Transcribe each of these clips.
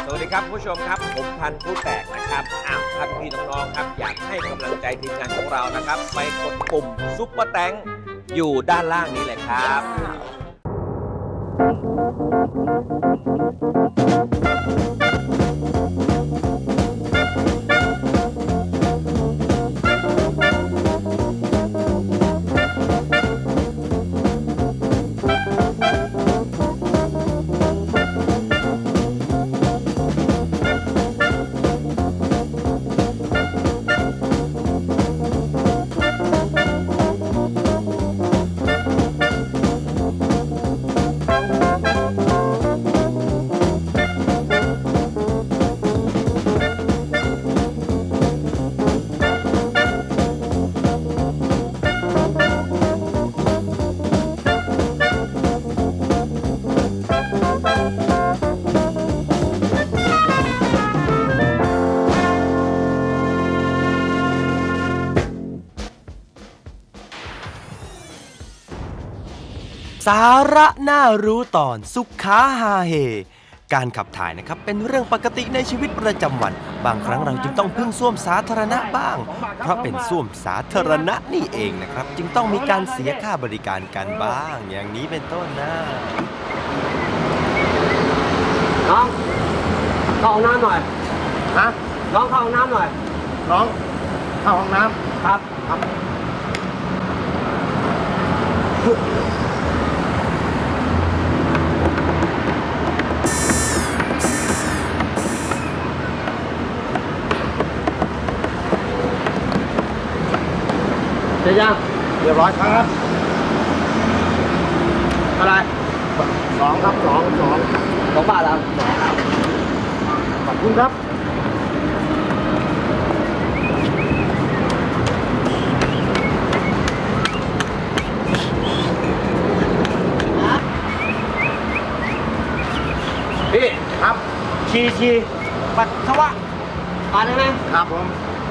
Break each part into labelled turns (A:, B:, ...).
A: สวัสดีครับผู้ชมครับผมพันธุ์ผู้แตกนะครับท่านพี่น้องๆครับอยากให้กำลังใจทีมงานของเรานะครับไปกดปุ่มซุปเปอร์แตงอยู่ด้านล่างนี้เลยครับ
B: สาระน่ารู้ตอนสุขาฮาเฮการขับถ่ายนะครับเป็นเรื่องปกติในชีวิตประจำวันบางครั้งเราจึงต้องพึ่งส้วมสาธารณะบ้างเพราะเป็นส้วมสาธารณะนี่เองนะครับจึงต้องมีการเสียค่าบริการกันบ้างอย่างนี้เป็นต้นนะ
C: น้องเข้าห้องน้ำหน่อย
D: ฮะ
C: น้องเข้าห้องน้ำหน่อย
D: น้องเข้าห้องน้ำ
C: ครับเสร็จยัง
D: เรียบร้อยครับ
C: อะไร
D: 2ครับ2
C: บาทแล้ว
D: ขอบคุณครับ
C: พี่
D: ครับ
C: ชีปัสสาวะปาได้ไหม
D: ครับผม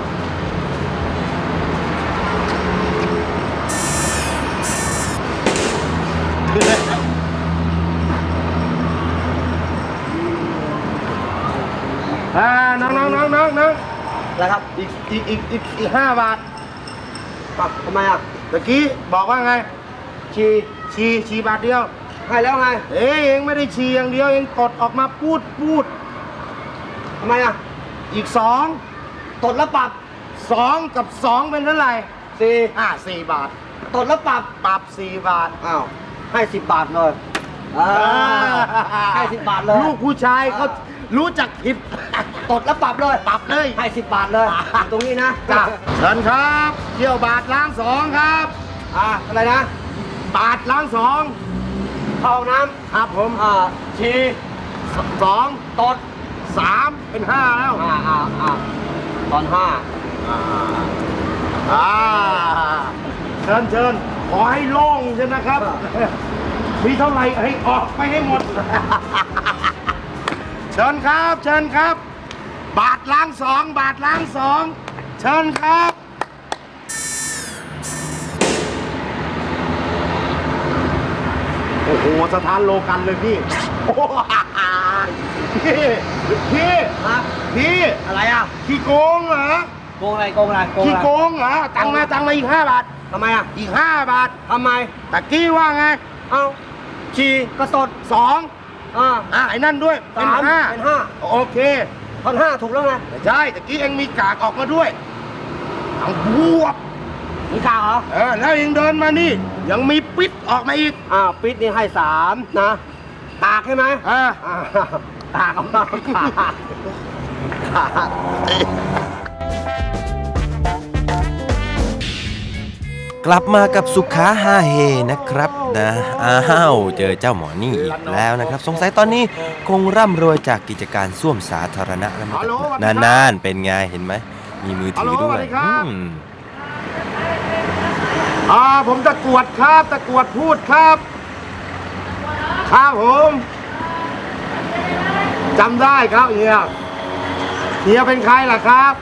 D: น้อง
C: แล้วครับ
D: อีก5 บาท
C: ทำไมอ่ะ
D: ตะกี้บอกว่าไงชีบาทเดียว
C: ให้แล้วไง
D: เองไม่ได้ชีอย่างเดียวเองกดออกมาพูด
C: ทำไมอ่ะ
D: อีก2
C: ตดแล้วปรับ
D: 2กับ2เป็นเท่าไหร่4 บาท
C: ตดแล้วป
D: รับ4 บาท
C: อ้าวให้10 บาทเลยให้10 บาทเลย
D: ลูกผู้ชายเขารู้จักผิด
C: ตดแล้วปรับเลยให้10 บาทเลยตรงนี้นะ
D: จ้ะเชิญครับเที่ยวบาทล้าง2ครับ
C: อะไรนะ
D: บาทล้าง2
C: เข้าห้องน้ำ
D: ครับผม
C: ชี
D: 2ตด3เป็น5แล้ว
C: ตอน5
D: เชิญขอให้โล่งใช่นะครับมีเท่าไหร่ให้ออกไปให้หมดเชิญครับบาทล้าง2เชิญครับโอ้โหสถานโลกันเลยพี่พี่
C: อะไรอ่ะ
D: ขี้โกงเหรอ
C: โกงอะไร
D: ขี้โกงเหรอตังมาอีก5 บาท
C: ทำไมอ่ะ
D: อีก5 บาท
C: ทำไม
D: ตะกี้ว่าไง
C: ชีก็ตด
D: 2ไอ้นั่นด้วยเป็น5โอเค
C: ตอน5ถูกแล้วไง
D: ใช่ตะกี้เองมีกากออกมาด้วยทั้งบวบ
C: มีกากเหรอ
D: แล้วเองเดินมานี่ยังมีปิดออกมาอีก
C: ปิดนี่ให้3นะตากใช่ไหมตากออกมา
B: กลับมากับสุขาฮาเฮนะครับนะเจอเจ้าหมอนี่อีกแล้วนะครับสงสัยตอนนี้คงร่ำรวยจากกิจการส้วมสาธารณะแล้วนานๆเป็นไงเห็นไหมมีมือถือด้วย
D: ผมตะกรวดพูดครับผมจำได้ครับเฮียเป็นใครล่ะครับ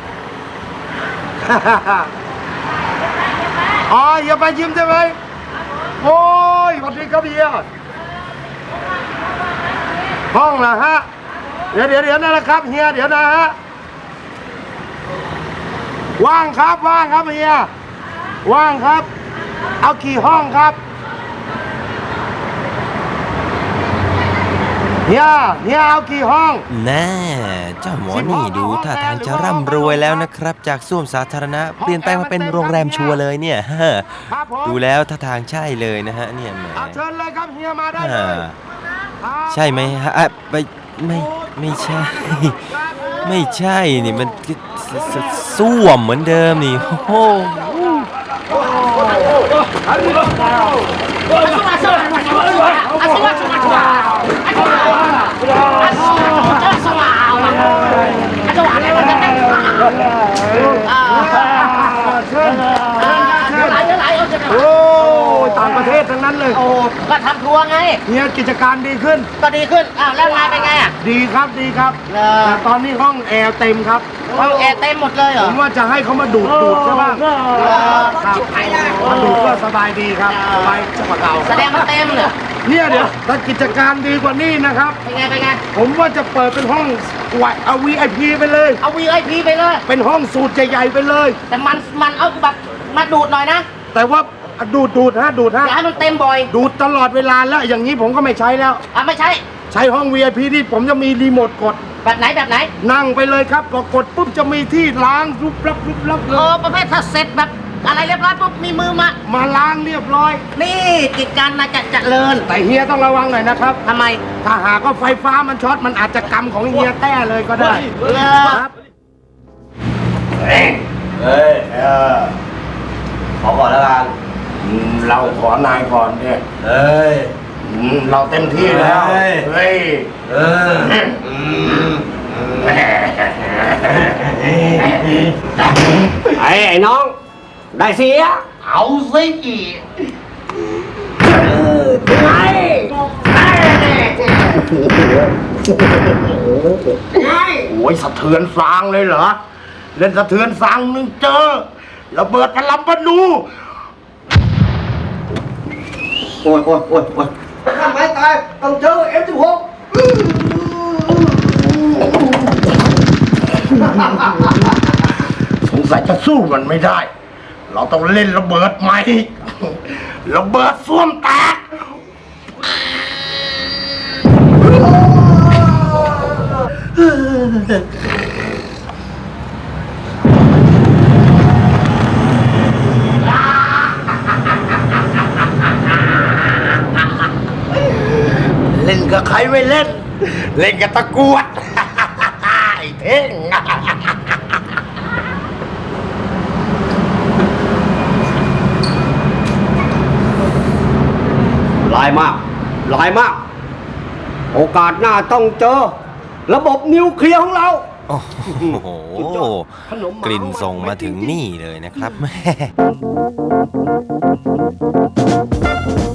D: อย่าไปยิ้มใช่ไหมโอ้ยสวัสดีครับเฮียห้องเหรอฮะเดี๋ยวนั่นแหละครับเฮียเดี๋ยวนะฮะว่างครับเฮียว่างครับเอากี่ห้องครับเฮียเอากี่ห้อง
B: แน่เจ้าหมอนี่ดูท่าทางจะร่ำรวยแล้วนะครับ จากส้วมสาธารณะเปลี่ยนแปลงมาเป็นโรงแรมชัวร์เลยเนี่ย
D: ครับผม
B: ดูแล้วท่าทางใช่เลยนะฮะเนี่ยแหม
D: เอาเชิญเลยครับเฮียมาได้เลย
B: ใช่ไหมฮะไม่ใช่ ไม่ใช่นี่มันส้วมเหมือนเดิมนี่โอ้โห
D: โอ้ต่างประเทศทั้งนั้นเลย
E: โอ้ก็ทำทัวร์ไง
D: เฮียกิจการดีขึ้น
E: ก็ดีขึ้น อ้าวแล้วงานเป็นไงอ่ะ
D: ดีครับแต่ตอนนี้ห้องแอร์เต็มครับ
E: ห้องแอร์เต็มหมดเลยเหร
D: ผ
E: อ
D: มว่าจะให้เขามาดูดใช่ป่ะครับมาดูดก็สบายดีครับสบายจังหวะเรา
E: แสดงว่าเต็มเลย
D: เนี่ยเดี๋ยวถ้ากิจการดีกว่านี้นะครับ
E: เป็นไง
D: ผมว่าจะเปิดเป็นห้องเอา VIP ไปเลย
E: เอา VIP ไปเลย
D: เป็นห้องสูตรใหญ่ๆไปเลย
E: แต่มันเอาแบบมาดูดหน่อยนะ
D: แต่ว่าดูดฮะ
E: อย่าให้มันเต็มบ่อย
D: ดูดตลอดเวลาแล้วอย่างนี้ผมก็ไม่ใช้แล้ว
E: ไม่ใช่
D: ใช้ห้อง VIP ที่ผมจะมีรีโมทกด
E: แบบไหน
D: นั่งไปเลยครับพอกดปุ๊บจะมีที่ล้างรุบรับเล
E: เออย ประเภทถ้าเสร็จแบบอะไรเรียบร้อยปุ๊บมีมือมา
D: มาล้างเรียบร้อย
E: นี่กิจการมาจะเจริญ
D: แต่เฮียต้องระวังหน่อยนะครับ
E: ทำไม
D: ถ้าหากว่าไฟฟ้ามันช็อตมันอาจจะกรรมของเฮียแต้เลยก็ได้ ครับ
C: ขอก่อนแล้วกัน
D: เราขอนายก่อนเนี่ย
C: เฮ้ย
D: เราเต็มที่แล้ว
C: เฮ้ย
D: เฮ้ย
C: เออ
F: ไอ้น้อง ได้เสีย
E: เอาสิ
F: ไง
D: โอ้ยสะเทือนฟางเลยเหรอ เล่นสะเทือนฟางนึงเจอระเบิดพลัมปนู
F: โอ้ยทำไมตายต้องเจอ F16
D: สงสัยจะสู้มันไม่ได้ เราต้องเล่นระเบิดใหม่ ระเบิดส้วมแตก เล่นกับใครไม่เล่น เล่นกับตะกรวด ไอ้เท่ง
F: ลายมาก โอกาสหน้าต้องเจอ ระบบนิวเคลียร์ของเรา
B: โอ้โหกลิ่นส่งมาถึงนี่เลยนะครับแม่